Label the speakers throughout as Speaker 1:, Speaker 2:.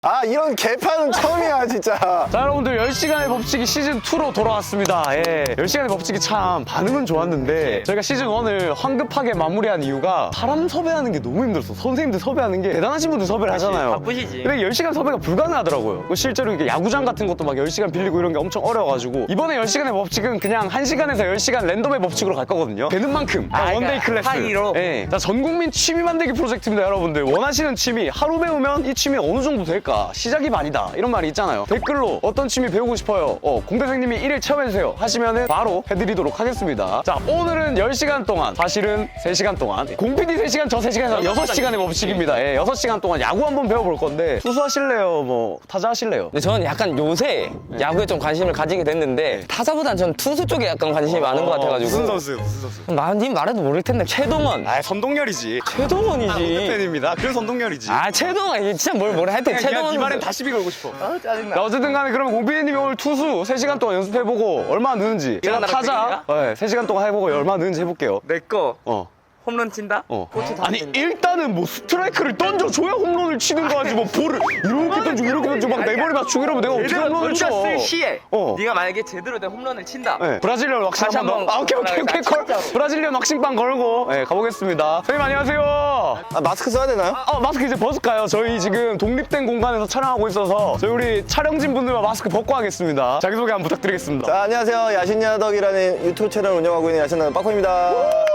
Speaker 1: 아 이런 개판은 처음이야 진짜.
Speaker 2: 자 여러분들 10시간의 법칙이 시즌2로 돌아왔습니다. 예, 10시간의 법칙이 참 반응은 좋았는데 저희가 시즌1을 황급하게 마무리한 이유가 사람 섭외하는 게 너무 힘들었어. 선생님들 섭외하는 게 대단하신 분들 섭외를 하잖아요.
Speaker 3: 바쁘시지.
Speaker 2: 근데 10시간 섭외가 불가능하더라고요. 실제로 이게 야구장 같은 것도 막 10시간 빌리고 이런 게 엄청 어려워가지고 이번에 10시간의 법칙은 그냥 1시간에서 10시간 랜덤의 법칙으로 갈 거거든요. 되는 만큼 원데이 클래스.
Speaker 3: 하이로.
Speaker 2: 예. 자, 전국민 취미 만들기 프로젝트입니다. 여러분들 원하시는 취미 하루 배우면 이 취미 어느 정도 될까? 시작이 반이다 이런 말이 있잖아요. 댓글로 어떤 취미 배우고 싶어요, 공대생님이 1일 체험해주세요 하시면은 바로 해드리도록 하겠습니다. 자, 오늘은 10시간 동안, 사실은 3시간 동안 공PD 3시간, 저 3시간에서 6시간의 법칙입니다. 예, 6시간 동안 야구 한번 배워볼 건데 투수 하실래요? 뭐 타자 하실래요?
Speaker 3: 근데 저는 약간 요새 야구에 좀 관심을 가지게 됐는데 타자보단 저는 투수 쪽에 약간 관심이 많은 것 같아가지고.
Speaker 2: 무슨 선수요? 무슨 선수?
Speaker 3: 님 말해도 모를 텐데 최동원.
Speaker 2: 아, 선동열이지.
Speaker 3: 최동원이지.
Speaker 2: 팬입니다. 그래서 선동열이지.
Speaker 3: 아 최동원 이게 진짜 뭐라 하여튼 최동원.
Speaker 2: 이 말엔 다 시비 걸고 싶어.
Speaker 3: 짜증나.
Speaker 2: 자, 어쨌든 간에 그러면 공PD님이 오늘 투수 3시간 동안 연습해보고 얼마나 느는지, 제가
Speaker 3: 일어나라
Speaker 2: 타자 3시간 동안 해보고 얼마나 느는지 해볼게요.
Speaker 3: 내꺼
Speaker 2: 어.
Speaker 3: 홈런 친다?
Speaker 2: 아니 일단은 뭐 스트라이크를 던져줘야 홈런을 치는 거지. 뭐 볼을 이렇게 던지고 이렇게 던지고 막 내 머리 맞추고 이러면 내가 어떻게 홈런을 쳐.
Speaker 3: 던졌을 시에
Speaker 2: 어.
Speaker 3: 네가 만약에 제대로 된 홈런을 친다.
Speaker 2: 네. 브라질리언 왁싱
Speaker 3: 다시
Speaker 2: 한번 더.
Speaker 3: 한번
Speaker 2: 오케이 콜.
Speaker 3: 진짜로.
Speaker 2: 브라질리언 왁싱빵 걸고 가보겠습니다. 선생님 안녕하세요.
Speaker 1: 아 마스크 써야 되나요?
Speaker 2: 마스크 이제 벗을까요? 저희 지금 독립된 공간에서 촬영하고 있어서 저희 우리 촬영진 분들만 마스크 벗고 하겠습니다. 자기소개 한번 부탁드리겠습니다.
Speaker 1: 자 안녕하세요, 야신야덕이라는 유튜브 채널 운영하고 있는 야신야덕 빠코입니다.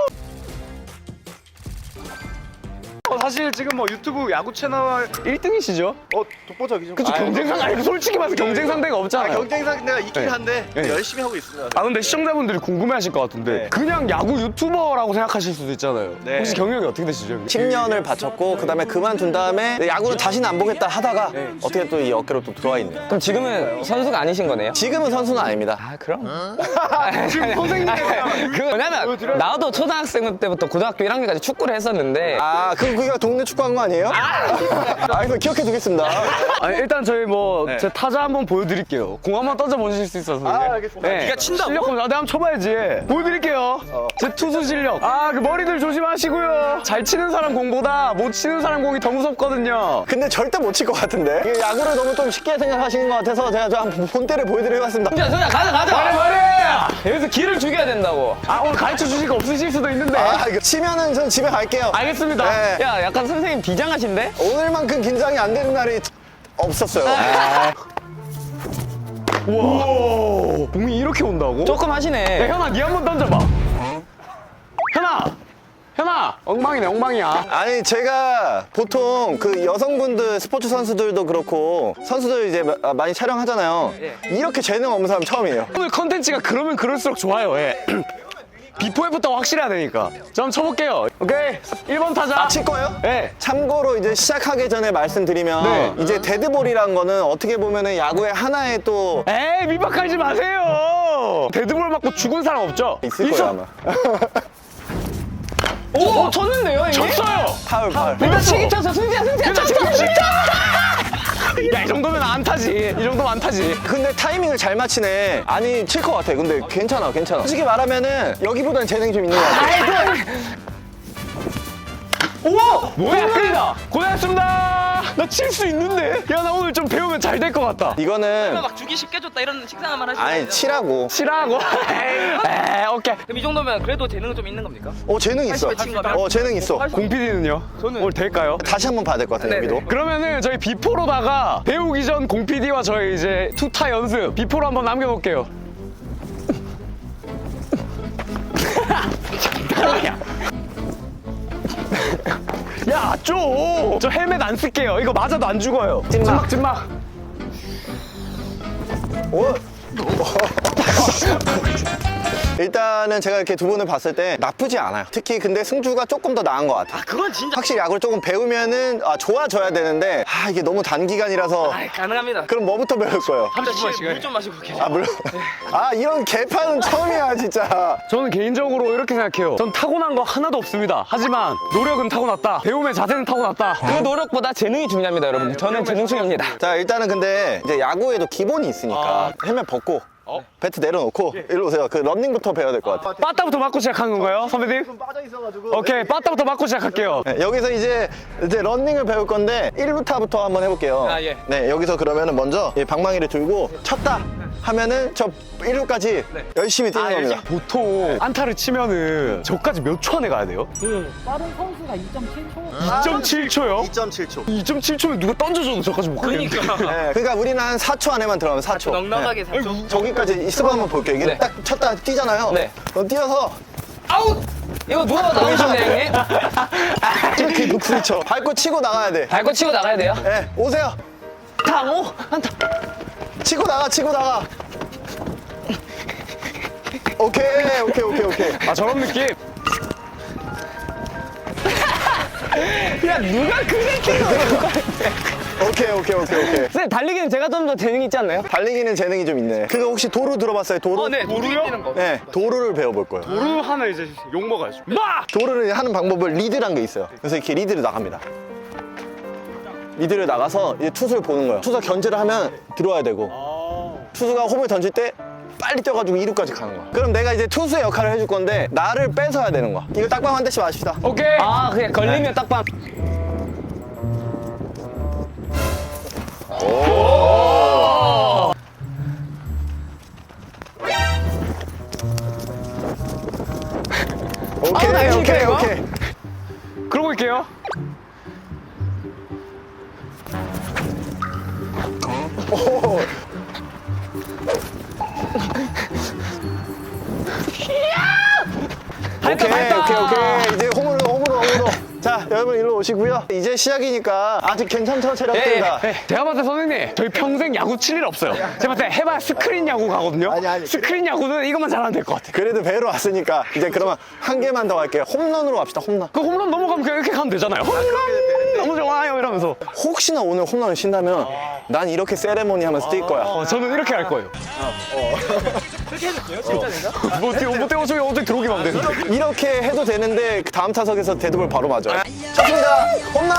Speaker 2: 사실 지금 뭐 유튜브 야구 채널 1등이시죠?
Speaker 1: 독보적이죠.
Speaker 2: 그쵸, 경쟁상 아니 솔직히 말해서 경쟁 상대가 없잖아요.
Speaker 1: 경쟁 상대가 있긴
Speaker 2: 네.
Speaker 1: 한데
Speaker 2: 네.
Speaker 1: 열심히 하고 있습니다.
Speaker 2: 아 근데 시청자분들이 궁금해하실 것 같은데
Speaker 1: 네.
Speaker 2: 그냥 야구 유튜버라고 생각하실 수도 있잖아요.
Speaker 1: 네.
Speaker 2: 혹시 경력이 어떻게 되시죠? 형님?
Speaker 1: 10년을 바쳤고 그다음에 그만둔 다음에 야구를 다시는 안 보겠다 하다가 어떻게 또 이 어깨로 또 들어와 있네요.
Speaker 3: 그럼 지금은 선수가 아니신 거네요?
Speaker 1: 지금은 선수는 아닙니다.
Speaker 3: 아 그럼.
Speaker 2: 지금 선생님
Speaker 3: 그 뭐냐면 나도 초등학생 때부터 고등학교 1학년까지 축구를 했었는데
Speaker 1: 아 그거 동네 축구한 거 아니에요? 아 이거 기억해 두겠습니다.
Speaker 2: 아니, 일단 저희 뭐 제 타자 한번 보여드릴게요. 공 한번 던져 보실 수 있어서.
Speaker 1: 아, 알겠습니다.
Speaker 3: 네가 친다고?
Speaker 2: 실력 한번 한번 쳐봐야지. 보여드릴게요. 제 투수 실력. 그 머리들 조심하시고요. 잘 치는 사람 공보다 못 치는 사람 공이 더 무섭거든요.
Speaker 1: 근데 절대 못 칠 것 같은데 이게 야구를 너무 좀 쉽게 생각하시는 것 같아서 제가 좀 한번 본때를 보여드리겠습니다.
Speaker 3: 소자 가자.
Speaker 2: 말해!
Speaker 3: 여기서 기를 죽여야 된다고.
Speaker 2: 오늘 가르쳐 주실 거 없으실 수도 있는데.
Speaker 1: 아 이거 치면은 전 집에 갈게요.
Speaker 2: 알겠습니다.
Speaker 1: 네.
Speaker 3: 야 약간 선생님 비장하신데?
Speaker 1: 오늘만큼 긴장이 안 되는 날이 없었어요.
Speaker 2: 우와, 공이 이렇게 온다고?
Speaker 3: 조금
Speaker 2: 야,
Speaker 3: 하시네.
Speaker 2: 현아, 니 한번 던져봐. 현아, 엉망이네, 엉망이야.
Speaker 1: 아니 제가 보통 그 여성분들 스포츠 선수들도 그렇고 선수들 이제 많이 촬영하잖아요. 이렇게 재능 없는 사람 처음이에요.
Speaker 2: 오늘 컨텐츠가 그러면 그럴수록 좋아요. 예. 비포 애프터가 확실해야 되니까. 저 한번 쳐볼게요. 오케이, 1번 타자.
Speaker 1: 칠 거예요?
Speaker 2: 네.
Speaker 1: 참고로 이제 시작하기 전에 말씀드리면
Speaker 2: 네.
Speaker 1: 이제 데드볼이란 거는 어떻게 보면은 야구의 하나의 또
Speaker 2: 에이, 밑박하지 마세요. 데드볼 맞고 죽은 사람 없죠?
Speaker 1: 있을 거예요 아마.
Speaker 3: 오 쳤는데요 이게?
Speaker 2: 쳤어요.
Speaker 1: 파울.
Speaker 3: 일단 치기 쳤어 승재야 쳤어.
Speaker 2: 야, 이 정도면 안 타지. 이 정도면 안 타지.
Speaker 1: 근데 타이밍을 잘 맞히네. 아니 칠 것 같아. 근데 괜찮아. 솔직히 말하면은 여기보다는 재능이 좀 있는 것 같아.
Speaker 2: 우와! 뭐야, 끌리다. 고생했습니다. 나 칠 수 있는데? 야, 나 오늘 좀 배우면 잘 될 것 같다.
Speaker 1: 이거는
Speaker 4: 막 주기 쉽게 줬다 이런 식상한 말 하시는
Speaker 1: 아니
Speaker 4: 거예요?
Speaker 1: 치라고.
Speaker 2: 치라고. 에이, 오케이.
Speaker 4: 그럼 이 정도면 그래도 재능은 좀 있는 겁니까?
Speaker 1: 재능 있어.
Speaker 4: 친 거면?
Speaker 1: 재능 있어.
Speaker 2: 공PD는요? 오늘 될까요?
Speaker 1: 다시 한번 봐야 될 것 같아 여기도.
Speaker 2: 그러면은 저희 비포로다가 배우기 전 공PD와 저희 이제 투타 연습 비포로 한번 남겨놓을게요. 야, 저 헬멧 안 쓸게요. 이거 맞아도 안 죽어요. 찐막.
Speaker 1: 오. 일단은 제가 이렇게 두 분을 봤을 때 나쁘지 않아요. 특히 근데 승주가 조금 더 나은 것 같아.
Speaker 4: 그건 진짜
Speaker 1: 확실히 야구를 조금 배우면은 좋아져야 되는데 이게 너무 단기간이라서
Speaker 4: 가능합니다.
Speaker 1: 그럼 뭐부터 배울 거예요?
Speaker 4: 물좀 마시고 계세요.
Speaker 1: 물론. 이런 개판은 처음이야 진짜.
Speaker 2: 저는 개인적으로 이렇게 생각해요. 전 타고난 거 하나도 없습니다. 하지만 노력은 타고났다. 배움의 자세는 타고났다.
Speaker 3: 그 노력보다 재능이 중요합니다 여러분. 저는 재능 중요합니다.
Speaker 1: 자 일단은 근데 이제 야구에도 기본이 있으니까 헬멧 벗고 배트 내려놓고 일로 오세요. 그 런닝부터 배워야 될 것 같아.
Speaker 2: 빠따부터 맞고 시작하는 건가요, 선배님?
Speaker 1: 빠져 있어가지고.
Speaker 2: 오케이, 빠따부터 맞고 시작할게요.
Speaker 1: 네, 여기서 이제 런닝을 배울 건데 1부터부터 한번 해볼게요.
Speaker 4: 아, 예.
Speaker 1: 네, 여기서 그러면은 먼저 이 방망이를 들고 쳤다 하면은 저 1루까지 열심히 뛰는 겁니다.
Speaker 2: 보통 안타를 치면은 저까지 몇 초 안에 가야 돼요?
Speaker 5: 그 빠른 선수가 2.7초.
Speaker 2: 2.7초요?
Speaker 1: 2.7초.
Speaker 2: 2.7초면 누가 던져줘도 저까지 못 가겠는데.
Speaker 1: 네, 그러니까 우리는 한 4초 안에만 들어가면 4초.
Speaker 4: 넉넉하게 4초.
Speaker 1: 저기까지 있어봐 한번 볼게요. 이게
Speaker 3: 네.
Speaker 1: 딱 쳤다 뛰잖아요.
Speaker 3: 네.
Speaker 1: 그럼 뛰어서
Speaker 3: 아웃! 이거 누가 나오셨네, 형님?
Speaker 1: 이렇게 부딪혀. 밟고 치고 나가야 돼.
Speaker 3: 밟고 치고 나가야 돼요?
Speaker 1: 네, 오세요.
Speaker 3: 당호? 한타.
Speaker 1: 치고 나가, 치고 나가. 오케이.
Speaker 2: 아, 저런 느낌? 야, 누가 그게 키워?
Speaker 1: 오케이.
Speaker 3: 쌤, 달리기는 제가 좀 더 재능 있지 않나요?
Speaker 1: 달리기는 재능이 좀 있네. 그거 혹시 도루 들어봤어요? 도루?
Speaker 4: 네.
Speaker 2: 도루요?
Speaker 4: 뛰는 거.
Speaker 1: 네, 도루를 배워볼 거예요.
Speaker 2: 도루 하면 이제 욕 먹어야죠. 마!
Speaker 1: 도루를 하는 방법을 리드란 게 있어요. 그래서 이렇게 리드를 나갑니다. 리드를 나가서 이제 투수를 보는 거예요. 투수가 견제를 하면 들어와야 되고 투수가 홈을 던질 때 빨리 뛰어가지고 2루까지 가는 거야. 그럼 내가 이제 투수의 역할을 해줄 건데 나를 뺏어야 되는 거야. 이거 딱밤 한 대씩 마십시다.
Speaker 2: 오케이.
Speaker 3: 아, 그냥 걸리면 딱밤.
Speaker 1: 오케이.
Speaker 2: 그러고 있게요.
Speaker 1: 오. 오케이. 이제 홈으로. 자, 여러분 일로 오시고요. 이제 시작이니까 아직 괜찮죠, 체력들다.
Speaker 2: 제가 봤을 때 선생님, 저희 평생 야구 칠 일 없어요. 제가 봤을 때 해봐야 스크린 야구 가거든요.
Speaker 1: 아니.
Speaker 2: 스크린 야구는 이것만 잘하면 될 것 같아요.
Speaker 1: 그래도 배로 왔으니까 이제 그러면 한 개만 더 할게요. 홈런으로 갑시다, 홈런.
Speaker 2: 그 홈런 넘어가면 그냥 이렇게 가면 되잖아요. 홈런 너무 좋아요 이러면서.
Speaker 1: 혹시나 오늘 홈런을 친다면 난 이렇게 세레모니 하면서 뛸 거야.
Speaker 2: 저는 이렇게 할 거예요.
Speaker 4: 그렇게 해도 돼요? 진짜인가?
Speaker 2: 못 뛰어서 어떻게 들어오기만 하면 되는데.
Speaker 1: 이렇게 해도 되는데 그 다음 타석에서 데드볼 바로 맞아요. 쳤습니다. 홈런!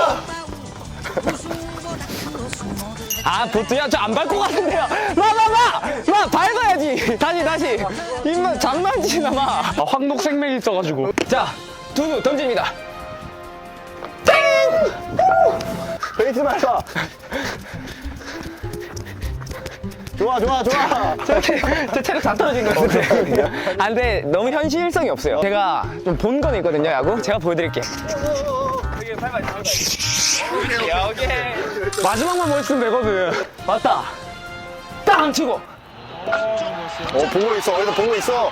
Speaker 3: 아, 보트야, 저 안 밟고 갔는데요. 마, 밟아야지. 다시. 입만 장난치나 마.
Speaker 2: 아, 황녹생명이 있어가지고.
Speaker 3: 자, 투수 던집니다.
Speaker 1: 베이스 말까? 좋아.
Speaker 3: 제 체력 다 떨어진 것 같은데. 아, 근데 너무 현실성이 없어요. 제가 좀 본 건 있거든요, 야구. 제가 보여드릴게요.
Speaker 4: 되게 밟아야 오케이.
Speaker 2: 마지막만 멋있으면 되거든.
Speaker 3: 맞다. 땅 치고.
Speaker 1: 보고 있어. 어디서 보고 있어.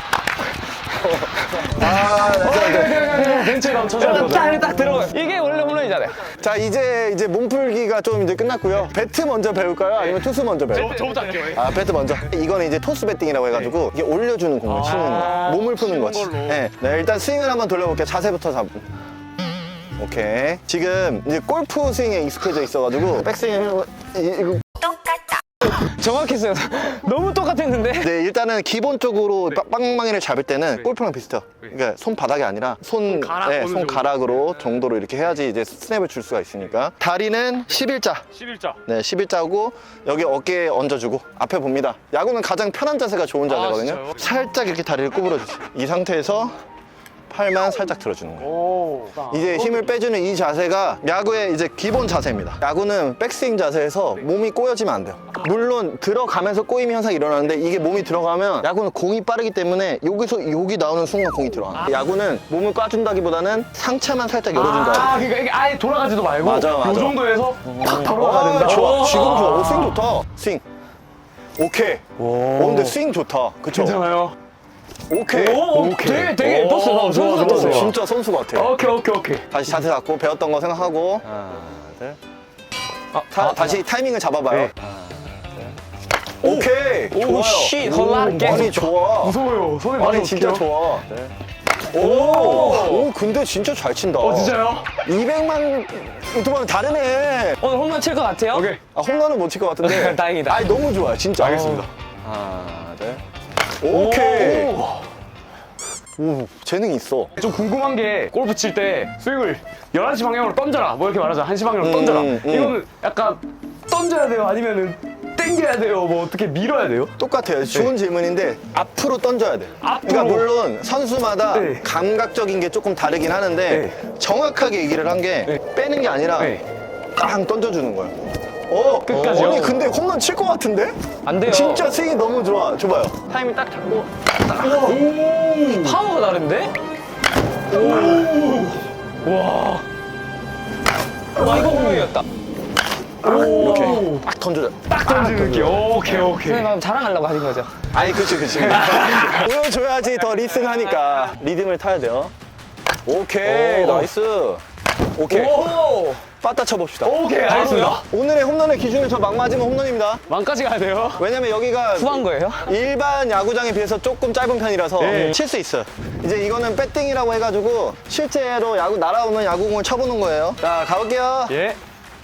Speaker 2: 벤치랑 쳐줘야
Speaker 3: 딱 들어가요. 이게 원래 홈런이잖아요.
Speaker 1: 자, 이제 몸풀기가 좀 이제 끝났고요. 배트 먼저 배울까요? 아니면 투수 먼저 배울까요?
Speaker 2: 저부터 할게요.
Speaker 1: 아, 배트 먼저. 이거는 이제 토스 배팅이라고 해가지고 이게 올려주는 공을 치는 거. 몸을 푸는 거지. 네, 일단 스윙을 한번 돌려볼게요. 자세부터 잡고. 오케이. 지금 이제 골프 스윙에 익숙해져 있어가지고 백스윙 이거.
Speaker 3: 정확했어요. 너무 똑같았는데.
Speaker 1: 네, 일단은 기본적으로 빵망이를 잡을 때는 골프랑 비슷해요. 그러니까 손바닥이 아니라 손가락으로 정도로 이렇게 해야지 이제 스냅을 줄 수가 있으니까. 다리는 11자.
Speaker 2: 11자.
Speaker 1: 네, 11자고 여기 어깨에 얹어주고 앞에 봅니다. 야구는 가장 편한 자세가 좋은 자세거든요.
Speaker 2: 진짜요?
Speaker 1: 살짝 이렇게 다리를 구부려주세요. 이 상태에서 팔만 살짝 들어주는 거예요.
Speaker 2: 오.
Speaker 1: 이제 힘을 빼주는 이 자세가 야구의 이제 기본 자세입니다. 야구는 백스윙 자세에서 몸이 꼬여지면 안 돼요. 물론 들어가면서 꼬임 현상이 일어나는데 이게 몸이 들어가면 야구는 공이 빠르기 때문에 여기 나오는 순간 공이 들어가. 야구는 몸을 꽈준다기보다는 상체만 살짝 열어준다.
Speaker 2: 그러니까 이게 아예 돌아가지도 말고
Speaker 1: 맞아.
Speaker 2: 이 정도에서 탁 돌아가야 된다.
Speaker 1: 좋아. 지금 좋아. 스윙 좋다. 스윙. 오케이. 근데 스윙 좋다. 그쵸?
Speaker 2: 괜찮아요.
Speaker 1: 오케이.
Speaker 3: 되게 떴어요. 선수 같았어요.
Speaker 1: 진짜 선수 같아.
Speaker 2: 오케이.
Speaker 1: 다시 자세 잡고 배웠던 거 생각하고. 다시 타이밍을 잡아봐요. 오케이. 좋아요.
Speaker 3: 씨, 헐라게.
Speaker 1: 아니, 좋아.
Speaker 2: 무서워요. 손에 많이
Speaker 1: 아니, 진짜
Speaker 2: 어떡해요?
Speaker 1: 좋아. 오, 근데 진짜 잘 친다.
Speaker 2: 진짜요?
Speaker 1: 200만 유튜버는 다르네.
Speaker 3: 오늘 홈런 칠 것 같아요?
Speaker 2: 오케이.
Speaker 1: 홈런은 못 칠 것 같은데.
Speaker 3: 다행이다.
Speaker 1: 아니, 너무 좋아요. 진짜.
Speaker 2: 알겠습니다.
Speaker 1: 하나, 둘. 오케이. 오, 재능이 있어.
Speaker 2: 좀 궁금한 게 골프 칠 때 스윙을 11시 방향으로 던져라 뭐 이렇게 말하잖아. 1시 방향으로 던져라. 이거는 약간 던져야 돼요? 아니면은 당겨야 돼요? 뭐 어떻게 밀어야 돼요?
Speaker 1: 똑같아요. 좋은 질문인데 앞으로 던져야 돼.
Speaker 2: 앞으로?
Speaker 1: 그러니까 물론 선수마다
Speaker 2: 네.
Speaker 1: 감각적인 게 조금 다르긴 하는데 정확하게 얘기를 한 게 빼는 게 아니라 딱 던져주는 거야.
Speaker 2: 끝까지요?
Speaker 1: 아니 근데 홈런 칠 것 같은데?
Speaker 3: 안 돼요.
Speaker 1: 진짜 스윙이 너무 좋아. 줘봐요.
Speaker 3: 타이밍 딱 잡고. 파워가 다른데? 와. 와, 이거 공격이었다.
Speaker 1: 이렇게 딱 던져줘.
Speaker 2: 딱 던지는 느낌. 오케이.
Speaker 3: 선생님 방금 자랑하려고 하신 거죠?
Speaker 1: 아니 그치. 보여줘야지 더 리슨하니까 리듬을 타야 돼요. 오케이 나이스. 오케이 빠따 쳐봅시다.
Speaker 2: 오케이, 알겠습니다.
Speaker 1: 오늘의 홈런의 기준은 저 막 맞으면 홈런입니다.
Speaker 2: 만까지 가야 돼요?
Speaker 1: 왜냐면 여기가
Speaker 3: 후한 거예요?
Speaker 1: 일반 야구장에 비해서 조금 짧은 편이라서
Speaker 2: 네.
Speaker 1: 칠 수 있어요. 이제 이거는 배팅이라고 해가지고 실제로 야구 날아오는 야구공을 쳐보는 거예요. 자 가볼게요.
Speaker 2: 예.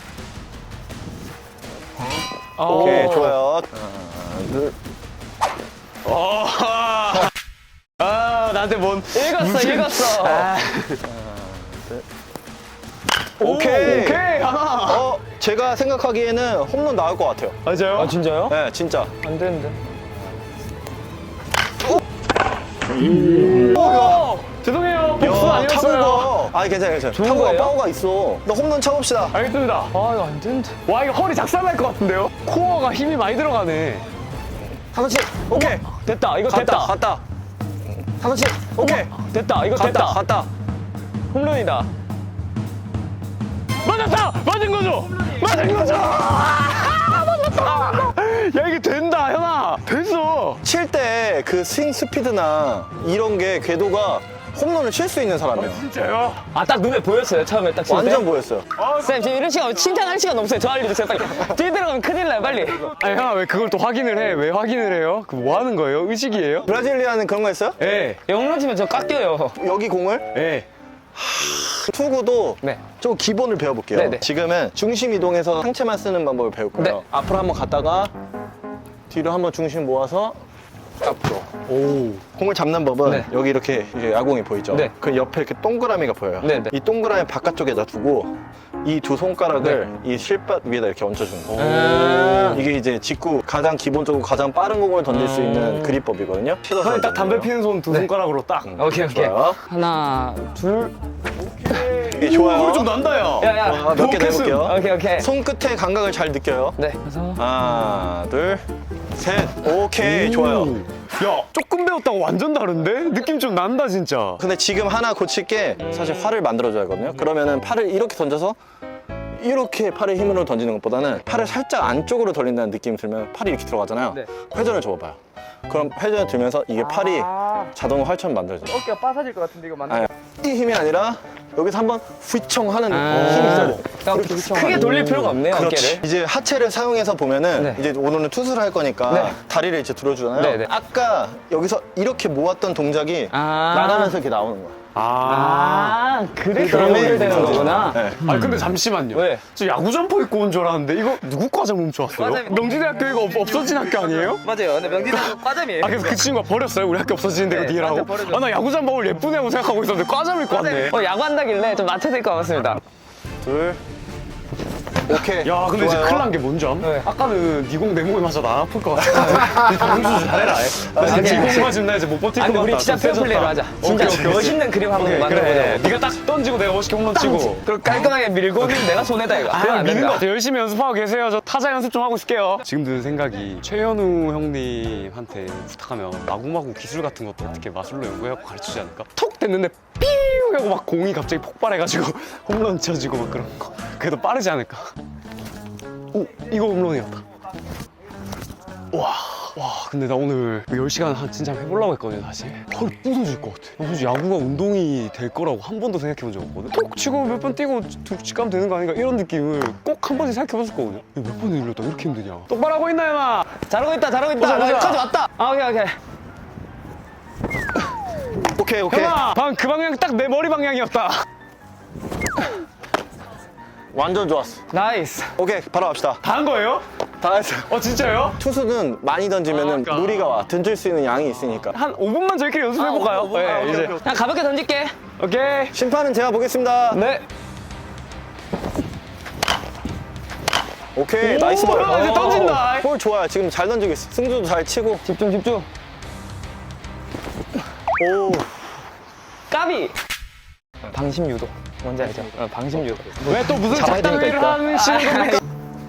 Speaker 1: 오케이 좋아요. 둘.
Speaker 2: 나한테 뭔.
Speaker 3: 읽었어.
Speaker 1: 오케이.
Speaker 2: 오케이, 하나.
Speaker 1: 제가 생각하기에는 홈런 나올 것 같아요.
Speaker 2: 맞아요?
Speaker 3: 아, 진짜요?
Speaker 1: 네 진짜.
Speaker 3: 안 되는데.
Speaker 2: 죄송해요. 복수
Speaker 1: 야,
Speaker 2: 아니었어요.
Speaker 1: 타구가. 아니 괜찮아. 타구가
Speaker 3: 거예요?
Speaker 1: 파워가 있어. 나 홈런 쳐봅시다.
Speaker 2: 알겠습니다.
Speaker 3: 아, 이거 안 되는데.
Speaker 2: 와, 이거 허리 작살날 것 같은데요? 코어가 힘이 많이 들어가네.
Speaker 1: 하나씩. 오케이.
Speaker 3: 됐다. 이거
Speaker 1: 갔다.
Speaker 3: 됐다.
Speaker 1: 갔다. 하나씩. 오케이.
Speaker 3: 됐다. 이거 됐다.
Speaker 1: 갔다.
Speaker 3: 홈런이다.
Speaker 2: 맞았다! 맞은 거죠? 맞은 거죠? 맞았다! 야, 이게 된다, 현아. 됐어.
Speaker 1: 칠 때 그 스윙 스피드나 이런 게 궤도가 홈런을 칠 수 있는 사람이에요.
Speaker 2: 진짜요?
Speaker 3: 아, 딱 눈에 보였어요. 처음에 딱 칠 때.
Speaker 1: 완전 보였어요.
Speaker 3: 쌤, 지금 이런 시간 칭찬할 시간 없어요. 저 알려주세요, 빨리. 뒤에 들어가면 큰일 나요, 빨리.
Speaker 2: 아니, 현아, 왜 그걸 또 확인을 해? 왜 확인을 해요? 그 뭐 하는 거예요? 의식이에요?
Speaker 1: 브라질리아는 그런 거 했어요?
Speaker 2: 예.
Speaker 3: 홈런 치면 저 깎여요.
Speaker 1: 여기 공을
Speaker 2: 예.
Speaker 1: 투구도
Speaker 3: 네.
Speaker 1: 좀 기본을 배워볼게요.
Speaker 3: 네네.
Speaker 1: 지금은 중심 이동해서 상체만 쓰는 방법을 배울 거예요.
Speaker 3: 네.
Speaker 1: 앞으로 한번 갔다가 뒤로 한번 중심 모아서 앞으로.
Speaker 2: 오.
Speaker 1: 공을 잡는 법은
Speaker 3: 네.
Speaker 1: 여기 이렇게 이제 야구공이 보이죠?
Speaker 3: 네.
Speaker 1: 그 옆에 이렇게 동그라미가 보여요.
Speaker 3: 네, 네.
Speaker 1: 이 동그라미 바깥쪽에다 두고 이 두 손가락을 이 실밥 위에다 이렇게 얹혀주는 거예요. 이게 이제 직구 가장 기본적으로 가장 빠른 공을 던질 수 있는 그립법이거든요.
Speaker 2: 현이 딱 담배 피는 손 두 손가락으로 딱.
Speaker 3: 오케이, 오케이.
Speaker 1: 좋아요.
Speaker 3: 하나, 둘.
Speaker 1: 이게 좋아요.
Speaker 2: 소리 좀 난다, 야.
Speaker 3: 야, 야.
Speaker 1: 몇 개
Speaker 2: 로켓은.
Speaker 1: 내볼게요.
Speaker 3: 오케이, 오케이.
Speaker 1: 손끝의 감각을 잘 느껴요.
Speaker 3: 네. 그래서.
Speaker 1: 하나, 둘, 셋. 오케이, 좋아요.
Speaker 2: 야, 조금 배웠다고 완전 다른데? 느낌 좀 난다, 진짜.
Speaker 1: 근데 지금 하나 고칠 게 사실 활을 만들어줘야 하거든요. 그러면은 팔을 이렇게 던져서 이렇게 팔의 힘으로 던지는 것보다는 팔을 살짝 안쪽으로 돌린다는 느낌이 들면 팔이 이렇게 들어가잖아요.
Speaker 3: 네.
Speaker 1: 회전을 줘봐요. 그럼 회전을 들면서 이게 팔이 자동으로 활처럼 만들어져요.
Speaker 4: 어깨가 빠사질 것 같은데 이거 맞나?
Speaker 1: 아니, 이 힘이 아니라 여기서 한번 휘청 하는 힘이 있어요.
Speaker 3: 그러니까 크게 돌릴 필요가 없네요,
Speaker 1: 그렇지.
Speaker 3: 어깨를.
Speaker 1: 이제 하체를 사용해서 보면은
Speaker 3: 네.
Speaker 1: 이제 오늘은 투수를 할 거니까
Speaker 3: 네.
Speaker 1: 다리를 이제 들어주잖아요.
Speaker 3: 네, 네.
Speaker 1: 아까 여기서 이렇게 모았던 동작이
Speaker 3: 아.
Speaker 1: 나가면서 이렇게 나오는 거야.
Speaker 3: 아, 그래서
Speaker 1: 그러면
Speaker 3: 연결되는
Speaker 1: 이제
Speaker 3: 거구나.
Speaker 1: 네.
Speaker 2: 아니 근데 잠시만요.
Speaker 3: 왜?
Speaker 2: 저 야구 점퍼 입고 온 줄 알았는데 이거 누구 과자 훔쳐왔어요?
Speaker 4: 맞아요.
Speaker 2: 명지대학교 이거 없어진 학교 아니에요?
Speaker 4: 맞아요. 근데 명진은 과점이에요.
Speaker 2: 아 그래서 그 친구가 버렸어요? 우리 학교 없어지는 데가
Speaker 4: 네,
Speaker 2: 니라고?
Speaker 4: 맞아, 버려줬어요.
Speaker 2: 아 나 야구 잠바를 예쁜 애고 생각하고 있었는데 과잠 입고 왔네.
Speaker 3: 야구한다길래 좀 맞춰야 될 것 같습니다.
Speaker 1: 둘. 오케이.
Speaker 2: 야 근데 이제
Speaker 1: 좋아요.
Speaker 2: 큰일 난 게 뭔지 암?
Speaker 3: 네.
Speaker 2: 아까는 니공 내 몸에 맞아 나 아플 것 같아. 방수 잘해라. 니공 맞으면 나 이제 못 버틸 것
Speaker 3: 아니,
Speaker 2: 같다.
Speaker 3: 우리 진짜
Speaker 2: 좀
Speaker 3: 페어플레이로
Speaker 2: 세졌다.
Speaker 3: 하자. 진짜
Speaker 2: 오케이, 오케이.
Speaker 3: 멋있는 그림 한번
Speaker 2: 오케이,
Speaker 3: 만들어보자.
Speaker 2: 그래. 네가 딱 던지고 내가 멋있게 홈런 치고.
Speaker 3: 그리고 깔끔하게 밀고는 내가 손에다 이거. 그건
Speaker 2: 아,
Speaker 3: 안
Speaker 2: 미는
Speaker 3: 된다.
Speaker 2: 것 같아요. 열심히 연습하고 계세요. 저 타자 연습 좀 하고 있을게요. 지금 드는 생각이 최현우 형님한테 부탁하면 마구마구 기술 같은 것도 어떻게 마술로 연구해갖고 가르치지 않을까? 톡 됐는데 삐우 하고 막 공이 갑자기 폭발해가지고 홈런 쳐지고 막 그런 거. 그래도 빠르지 않을까? 오, 이거 홈런이었다. 와, 근데 나 오늘 10시간 진짜 해보려고 했거든요, 사실. 허리 부서질 것 같아. 나 솔직히 야구가 운동이 될 거라고 한 번도 생각해 본 적 없거든? 톡 치고 몇 번 뛰고 툭 가면 되는 거 아닌가? 이런 느낌을 꼭 한 번씩 생각해 봤을 거거든요. 이거 몇 번을 일렀다, 이렇게 힘드냐? 똑바로 하고 있나, emma?
Speaker 3: 잘하고 있다, 잘하고 있다.
Speaker 2: 보자, 보자.
Speaker 3: 여기까지 왔다. 아, 오케이, 오케이.
Speaker 1: 오케이, 오케이.
Speaker 2: emma! 방금 그 방향 딱 내 머리 방향이었다.
Speaker 1: 완전 좋았어.
Speaker 3: 나이스.
Speaker 1: 오케이, 바로 갑시다.
Speaker 2: 다 한 거예요?
Speaker 1: 다 했어.
Speaker 2: 진짜요?
Speaker 1: 투수는 많이 던지면은
Speaker 2: 그러니까.
Speaker 1: 무리가 와. 던질 수 있는 양이 있으니까.
Speaker 2: 한 5분만 저희끼리 연습해볼까요? 네, 이제.
Speaker 3: 그냥 가볍게 던질게.
Speaker 2: 오케이.
Speaker 1: 심판은 제가 보겠습니다.
Speaker 3: 네.
Speaker 1: 오케이, 나이스 볼.
Speaker 2: 이제 던진다.
Speaker 1: 볼 좋아요. 지금 잘 던지고 있어. 승주도 잘 치고.
Speaker 3: 집중 집중.
Speaker 1: 오.
Speaker 3: 까비. 방심 유도. 뭔지 알죠? 방심 유도.
Speaker 2: 왜 또 무슨
Speaker 1: 잡아야 되니까
Speaker 2: 작당회를
Speaker 1: 있다.
Speaker 2: 하시는 겁니까?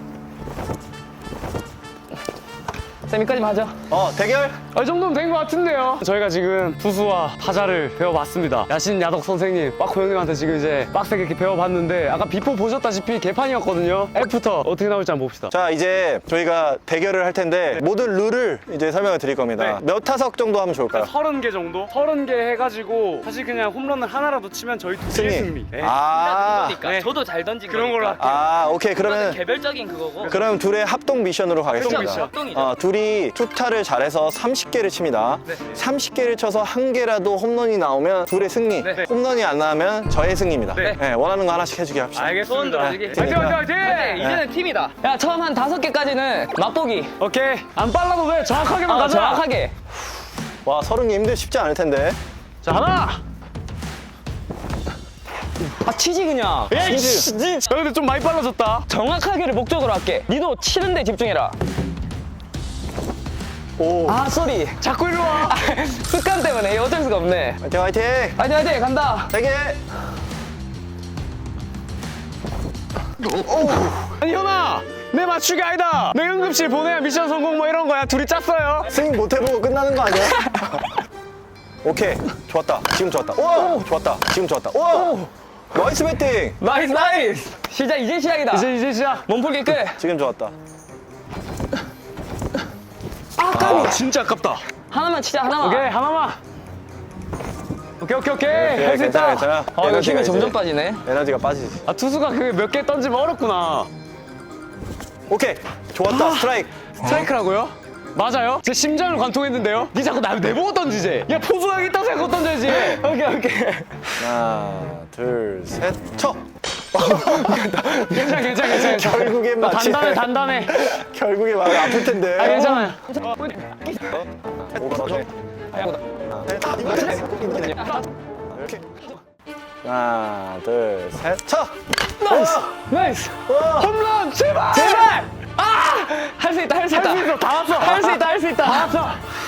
Speaker 3: 세미까지만 하죠.
Speaker 1: 대결?
Speaker 2: 이 정도면 된 것 같은데요. 저희가 지금 투수와 타자를 배워봤습니다. 야신 야덕 선생님, 빠코 형님한테 지금 이제 빡세게 이렇게 배워봤는데 아까 비포 보셨다시피 개판이었거든요. 애프터 어떻게 나올지 한번 봅시다.
Speaker 1: 자, 이제 저희가 대결을 할 텐데 모든 룰을 이제 설명을 드릴 겁니다.
Speaker 2: 네.
Speaker 1: 몇 타석 정도 하면 좋을까요?
Speaker 2: 30개 정도? 30개 해가지고 사실 그냥 홈런을 하나라도 치면 저희 둘이 승리. 네.
Speaker 1: 아,
Speaker 4: 그러니까
Speaker 2: 네.
Speaker 4: 저도 잘 던진
Speaker 2: 그런 걸로
Speaker 4: 거니까.
Speaker 2: 할게요.
Speaker 1: 아, 오케이.
Speaker 4: 그러면
Speaker 1: 그러면
Speaker 4: 개별적인 그거고.
Speaker 1: 그럼 둘의 합동 미션으로 가겠습니다.
Speaker 2: 미션.
Speaker 4: 합동이죠.
Speaker 1: 둘이 투타를 잘해서 30개를 칩니다.
Speaker 2: 네.
Speaker 1: 30개를 쳐서 한 개라도 홈런이 나오면 둘의 승리.
Speaker 2: 네.
Speaker 1: 홈런이 안 나오면 저의 승리입니다.
Speaker 2: 네.
Speaker 1: 원하는 거 하나씩 해주게 합시다.
Speaker 4: 소원
Speaker 2: 알겠습니다.
Speaker 4: 들어주기.
Speaker 2: 화이팅 화이팅 화이팅!
Speaker 4: 네, 이제는 팀이다.
Speaker 3: 야 처음 한 5개까지는 맛보기.
Speaker 2: 오케이. 안 빨라도 돼. 정확하게만 가자.
Speaker 3: 정확하게.
Speaker 1: 와, 30개 쉽지 않을 텐데.
Speaker 2: 자, 하나.
Speaker 3: 치지 그냥.
Speaker 2: 에이씨. 근데 좀 많이 빨라졌다.
Speaker 3: 정확하게를 목적으로 할게. 니도 치는데 집중해라.
Speaker 1: 오.
Speaker 3: 아 쏘리.
Speaker 2: 자꾸 일로 와.
Speaker 3: 습관 때문에 어쩔 수가 없네.
Speaker 1: 화이팅, 화이팅!
Speaker 3: 화이팅 화이팅 간다.
Speaker 1: 3개!
Speaker 2: 아니 현아, 내 맞추기 아니다. 내 응급실 보내야 미션 성공 뭐 이런 거야. 둘이 짰어요.
Speaker 1: 스윙 못 해보고 끝나는 거 아니야? 오케이. 좋았다. 지금 좋았다. 오! 좋았다. 지금 좋았다. 오! 나이스 배팅!
Speaker 3: 나이스 나이스. 이제 시작이다.
Speaker 2: 이제 시작.
Speaker 3: 몸풀기 끝.
Speaker 1: 지금 좋았다.
Speaker 2: 아, 진짜 아깝다.
Speaker 3: 하나만 치자 하나만.
Speaker 2: 오케이, 하나만. 오케이. 할 수
Speaker 1: 괜찮아,
Speaker 2: 있다.
Speaker 1: 괜찮아.
Speaker 3: 이거
Speaker 1: 에너지가
Speaker 3: 힘이 점점
Speaker 1: 이제-
Speaker 3: 빠지네.
Speaker 1: 에너지가 빠지지.
Speaker 2: 아, 투수가 그 몇 개 던지면 어렵구나.
Speaker 1: 오케이. 좋았다. 스트라이크.
Speaker 2: 스트라이크라고요? 맞아요? 제 심장을 관통했는데요? 니 자꾸 내보고 던지지? 야, 포수가 있다고 생각하고 던져야지. 오케이.
Speaker 1: 하나, 둘, 셋, 쳐!
Speaker 2: 괜찮아.
Speaker 1: 결국엔 맞지.
Speaker 2: 단단해.
Speaker 1: 결국에 마음이 아플 텐데.
Speaker 2: 아, 괜찮아요.
Speaker 1: 하나, 둘, 셋, 쳐!
Speaker 2: 나이스. 홈런, 제발!
Speaker 3: 아! 할 수 있다 할 수 있다.
Speaker 2: 할 수 있어, 다 왔어.
Speaker 3: 할 수 있다 할 수 있다.
Speaker 2: 다 왔어.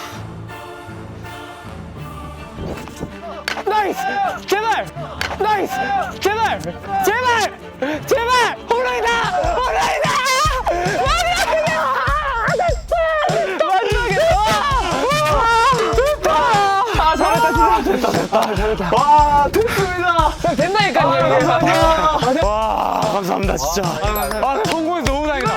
Speaker 2: 나이스! 제발! 나이스! 제발! 홈런이다! 마지막에!
Speaker 1: 와, 됐습니다!
Speaker 3: 된다니까요.
Speaker 2: 와, 감사합니다, 진짜. 성공해서 너무 다행이다.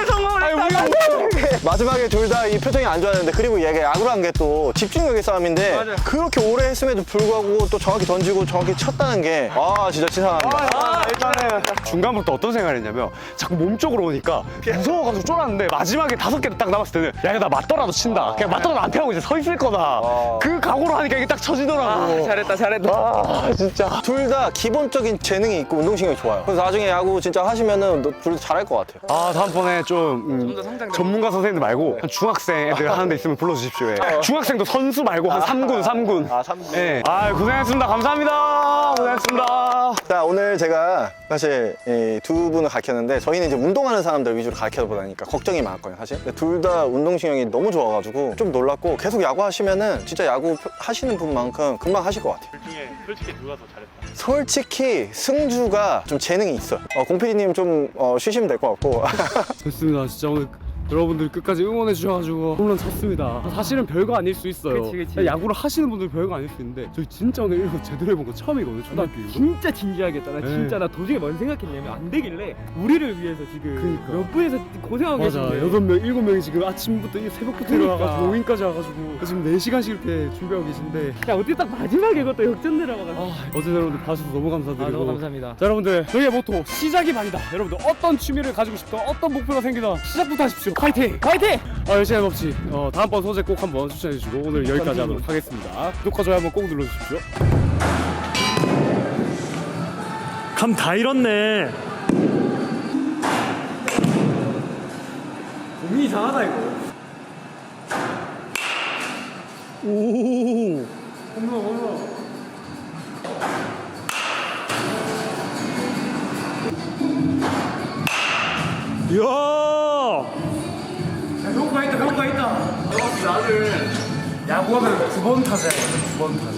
Speaker 1: 마지막에 둘 다 이 표정이 안 좋았는데, 그리고 얘가 야구를 한 게 또 집중력의 싸움인데, 그렇게 오래 했음에도 불구하고 또 정확히 던지고 정확히 쳤다는 게, 진짜 치사합니다.
Speaker 2: 일단은 중간부터 어떤 생각을 했냐면 자꾸 몸쪽으로 오니까 무서워가지고 쫄았는데 마지막에 5개를 딱 남았을 때는 야, 이거 나 맞더라도 친다. 그냥 맞더라도 안 피하고 이제 서 있을 거다. 그 각오로 하니까 이게 딱 쳐지더라고.
Speaker 3: 잘했다.
Speaker 2: 진짜.
Speaker 1: 둘 다 기본적인 재능이 있고 운동신경이 좋아요. 그래서 나중에 야구 진짜 하시면은 둘 다 잘할 것 같아요.
Speaker 2: 다음번에 좀 전문가 선생님들 말고 한 중학생 애들 하는 데 있으면 불러주십시오. 예. 중학생도 선수 말고 한 3군.
Speaker 1: 3군.
Speaker 2: 예. 고생했습니다. 감사합니다. 고생했습니다.
Speaker 1: 자, 오늘 제가 사실 이 두 분을 가르쳤는데, 저희는 이제 운동하는 사람들 위주로 가르쳐 보다니까 걱정이 많았거든요, 사실. 둘 다 운동신경이 너무 좋아가지고 좀 놀랐고, 계속 야구 하시면은 진짜 야구 하시는 분만큼 금방 하실 것 같아요.
Speaker 2: 중에 솔직히 누가 더 잘했다?
Speaker 1: 솔직히 승주가 좀 재능이 있어요. 공PD님 좀 쉬시면 될 것 같고.
Speaker 6: 됐습니다. 진짜 오늘 여러분들 끝까지 응원해 주셔가지고 홈런 쳤습니다. 사실은 별거 아닐 수 있어요.
Speaker 4: 그치.
Speaker 6: 야구를 하시는 분들 별거 아닐 수 있는데 저희 진짜 오늘 이거 제대로 해본 거 처음이거든요. 초등학교 이후로.
Speaker 5: 진짜 진지하게 했다. 나
Speaker 6: 네.
Speaker 5: 진짜 나 도중에 뭔 생각했냐면 안 되길래 우리를 위해서 지금
Speaker 6: 그러니까.
Speaker 5: 몇 분에서 고생하고
Speaker 6: 맞아.
Speaker 5: 계신데
Speaker 6: 6명, 7명이 지금 아침부터 새벽부터
Speaker 5: 그러니까.
Speaker 6: 일어나가지고 오인까지 와가지고 지금 4시간씩 이렇게 준비하고 계신데
Speaker 5: 야 어떻게 딱 마지막에 그것도 역전 들어가가지고
Speaker 6: 어제 여러분들 봐주셔서 너무 감사드리고
Speaker 5: 너무 감사합니다.
Speaker 6: 자, 여러분들 저희의 모토 시작이 반이다. 여러분들 어떤 취미를 가지고 싶다, 어떤 목표가 생기다 시작부터 하십시오. 파이팅!
Speaker 5: 화이팅!
Speaker 6: 열심히 해봅시. 다음번 소재 꼭 한번 추천해주시고 오늘 여기까지 하도록 하겠습니다. 구독과 좋아요 한번 꼭 눌러주십시오.
Speaker 7: 감 다 잃었네.
Speaker 6: 몸이 이상하다 이거. 오. 홈런.
Speaker 7: 이야.
Speaker 6: 효과 있다. 나는 야구하면 9번 타자야. 9번 타자.